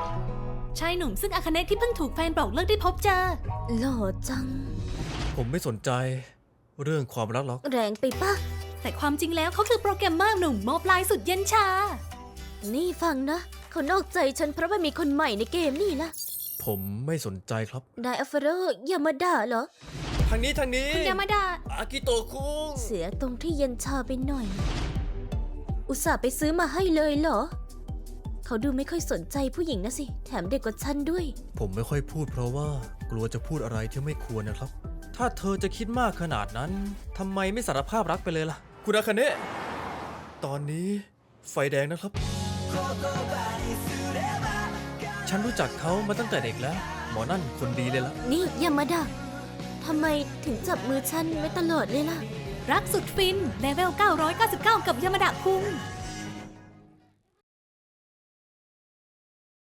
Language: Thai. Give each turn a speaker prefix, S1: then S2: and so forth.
S1: ชายหนุ่มซึ่งอาคาเนะที่เพิ่งถูกแฟนบอกเลิกได้พบเจอ
S2: หล่อจัง
S3: ผมไม่สนใจเรื่องความรักหรอก
S2: แรงไปปะ
S1: แต่ความจริงแล้วเขาคือโปรแกรมเมอร์หนุ่มมอบลายสุดเย็นชา
S2: นี่ฟังนะ เขานอกใจฉันเพราะว่ามีคนใหม่ในเกมนี่ล่ะ
S3: ผมไม่สนใจครับ
S2: นายอัลฟาโรอย่ามาด่าเหรอ
S3: ทางนี้
S1: คุณยามาดา
S3: อากิโตะคุง
S2: เสียตรงที่เย็นชาไปหน่อย อุตส่าห์ไปซื้อมาให้เลยเหรอ เขาดูไม่ค่อยสนใจผู้หญิงนะสิ แถมเด็กกว่าฉันด้วย
S3: ผมไม่ค่อยพูดเพราะว่ากลัวจะพูดอะไรที่ไม่ควรนะครับ ถ้าเธอจะคิดมากขนาดนั้นทำไมไม่สารภาพรักไปเลยล่ะ คุณอาคาเนะตอนนี้ไฟแดงนะครับ ฉันรู้จักเขามาตั้งแต่เด็กแล้ว หมอนั่นคนดีเลยล่ะ
S2: นี่อย่ามาด่าทำไมถึงจับมือฉันไว้ตลอดเลยล่ะ
S1: รักสุดฟินเลเวล999 กับยามาดาคุง